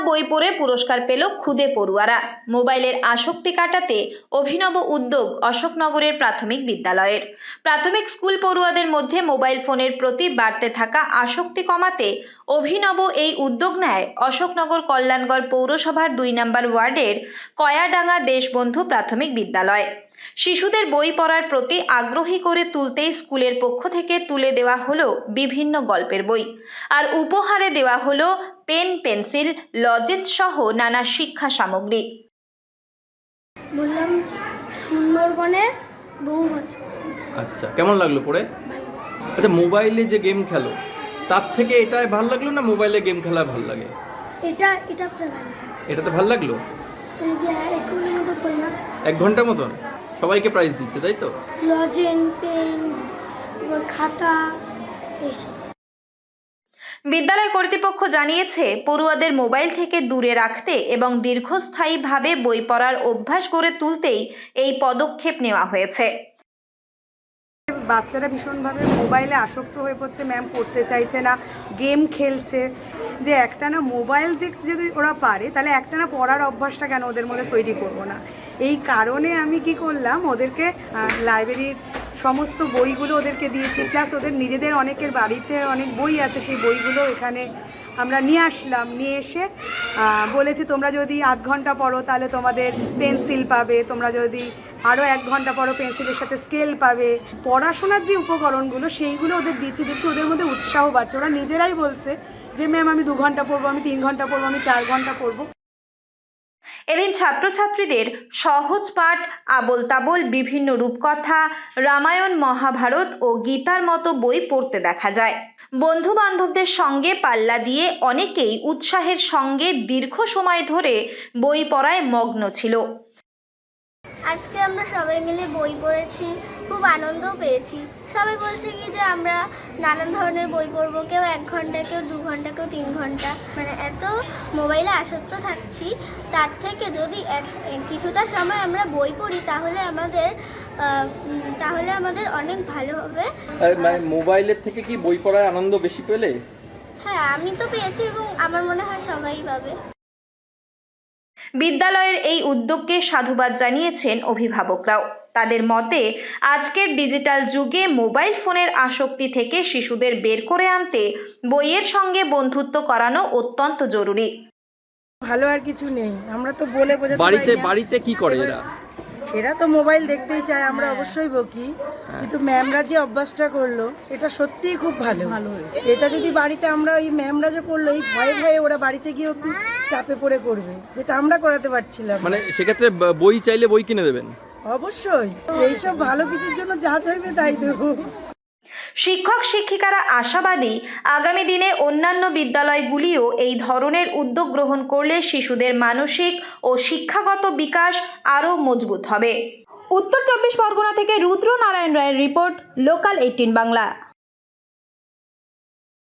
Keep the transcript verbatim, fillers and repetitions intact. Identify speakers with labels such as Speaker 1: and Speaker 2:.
Speaker 1: বই পড়ে পুরস্কার পেল খুদে পড়ুয়ারা। মোবাইলের আসক্তি কাটাতে অভিনব উদ্যোগ অশোকনগরের প্রাথমিক বিদ্যালয়ের। প্রাথমিক স্কুল পড়ুয়াদের মধ্যে মোবাইল ফোনের প্রতি বাড়তে থাকা আসক্তি কমাতে অভিনব এই উদ্যোগ নেয় অশোকনগর কল্যাণগড় পৌরসভার দুই নম্বর ওয়ার্ডের কয়াডাঙ্গা দেশবন্ধু প্রাথমিক বিদ্যালয়। শিশুদের বই পড়ার প্রতি আগ্রহী করে তুলতেই স্কুলের পক্ষ থেকে তুলে দেওয়া হলো বিভিন্ন গল্পের বই, আর উপহারে দেওয়া হলো পেন, পেন্সিল, লজেন্স সহ নানা শিক্ষা সামগ্রী।
Speaker 2: বললাম সুন্দরবনে বহু বছর।
Speaker 3: আচ্ছা, কেমন লাগলো পড়ে? আচ্ছা, মোবাইলে যে গেম খেলো তার থেকে এটাই ভালো লাগলো না মোবাইলে গেম খেলা ভালো লাগে?
Speaker 2: এটা এটা ভালো।
Speaker 3: এটাতে ভালো লাগলো?
Speaker 2: এই যে এক ঘন্টার মতো করলাম।
Speaker 3: এক ঘন্টার মতন সবাইকে প্রাইজ দিচ্ছে, তাই তো?
Speaker 2: লজেন, পেন, খাতা এইসব।
Speaker 1: বিদ্যালয় কর্তৃপক্ষ জানিয়েছে, পড়ুয়াদের মোবাইল থেকে দূরে রাখতে এবং দীর্ঘস্থায়ীভাবে বই পড়ার অভ্যাস গড়ে তুলতেই এই পদক্ষেপ নেওয়া হয়েছে।
Speaker 4: বাচ্চারা ভীষণভাবে মোবাইলে আসক্ত হয়ে পড়ছে, ম্যাম পড়তে চাইছে না, গেম খেলছে। যে একটানা মোবাইল দিক যদি ওরা পারে তাহলে একটানা পড়ার অভ্যাসটা কেন ওদের মধ্যে তৈরি করবো না? এই কারণে আমি কি করলাম, ওদেরকে লাইব্রেরির সমস্ত বইগুলো ওদেরকে দিয়েছি, প্লাস ওদের নিজেদের অনেকের বাড়িতে অনেক বই আছে, সেই বইগুলো এখানে আমরা নিয়ে আসলাম। নিয়ে এসে বলেছি তোমরা যদি আধ ঘন্টা পড়ো তাহলে তোমাদের পেন্সিল পাবে, তোমরা যদি আরও এক ঘন্টা পড়ো পেন্সিলের সাথে স্কেল পাবে। পড়াশোনার যে উপকরণগুলো সেইগুলো ওদের দিচ্ছি দিচ্ছি ওদের মধ্যে উৎসাহ বাড়ছে। ওরা নিজেরাই বলছে যে ম্যাম আমি দু ঘন্টা পড়বো, আমি তিন ঘন্টা পড়বো, আমি চার ঘন্টা পড়বো।
Speaker 1: এদিন ছাত্রছাত্রীদের সহজ পাঠ, আবোল তাবোল বিভিন্ন রূপকথা, রামায়ণ, মহাভারত ও গীতার মতো বই পড়তে দেখা যায়। বন্ধু বান্ধবদের সঙ্গে পাল্লা দিয়ে অনেকেই উৎসাহের সঙ্গে দীর্ঘ সময় ধরে বই পড়ায় মগ্ন ছিল।
Speaker 2: আজকে আমরা সবাই মিলে বই পড়েছি, খুব আনন্দও পেয়েছি। সবাই বলছে কি যে আমরা নানান ধরনের বই পড়বো, কেউ এক ঘন্টা, কেউ দু ঘন্টা, কেউ তিন ঘন্টা। মানে এত মোবাইলে আসক্ত থাকছি, তার থেকে যদি এক কিছুটা সময় আমরা বই পড়ি তাহলে আমাদের তাহলে আমাদের অনেক ভালো হবে।
Speaker 3: মানে মোবাইলের থেকে কি বই পড়ার আনন্দ বেশি পেলে?
Speaker 2: হ্যাঁ, আমি তো পেয়েছি এবং আমার মনে হয় সবাই পাবে।
Speaker 1: বিদ্যালয়ের এই উদ্যোগকে সাধুবাদ জানিয়েছেন অভিভাবকরাও। তাদের মতে, আজকের ডিজিটাল যুগে মোবাইল ফোনের আসক্তি থেকে শিশুদের বের করে আনতে বইয়ের সঙ্গে বন্ধুত্ব করানো অত্যন্ত জরুরি।
Speaker 4: ভালো আর কিছু নেই, আমরা তো বলে বোঝাতে
Speaker 3: বাড়িতে বাড়িতে কি করে এরা?
Speaker 4: এরা তো মোবাইল দেখতেই চায়, আমরা অবশ্যই বকি, কিন্তু ম্যামরা যে অভ্যাসটা করলো এটা সত্যিই খুব ভালো। এটা যদি বাড়িতে আমরা ওই ম্যামরা যে করলো এই ভয়ে ভয়ে ওরা বাড়িতে গিয়ে চাপে পড়ে করবে, যেটা আমরা করাতে পারছিলাম।
Speaker 3: মানে সেক্ষেত্রে বই চাইলে বই কিনে দেবেন?
Speaker 4: অবশ্যই, এইসব ভালো কিছুর জন্য যা চাইবে তাই দেবো।
Speaker 1: শিক্ষক শিক্ষিকারা আশাবাদী, আগামী দিনে অন্যান্য বিদ্যালয়গুলিও এই ধরনের উদ্যোগ গ্রহণ করলে শিশুদের মানসিক ও শিক্ষাগত বিকাশ আরও মজবুত হবে। উত্তর চব্বিশ পরগনা থেকে রুদ্র নারায়ণ রায়ের রিপোর্ট, লোকাল এইটিন বাংলা।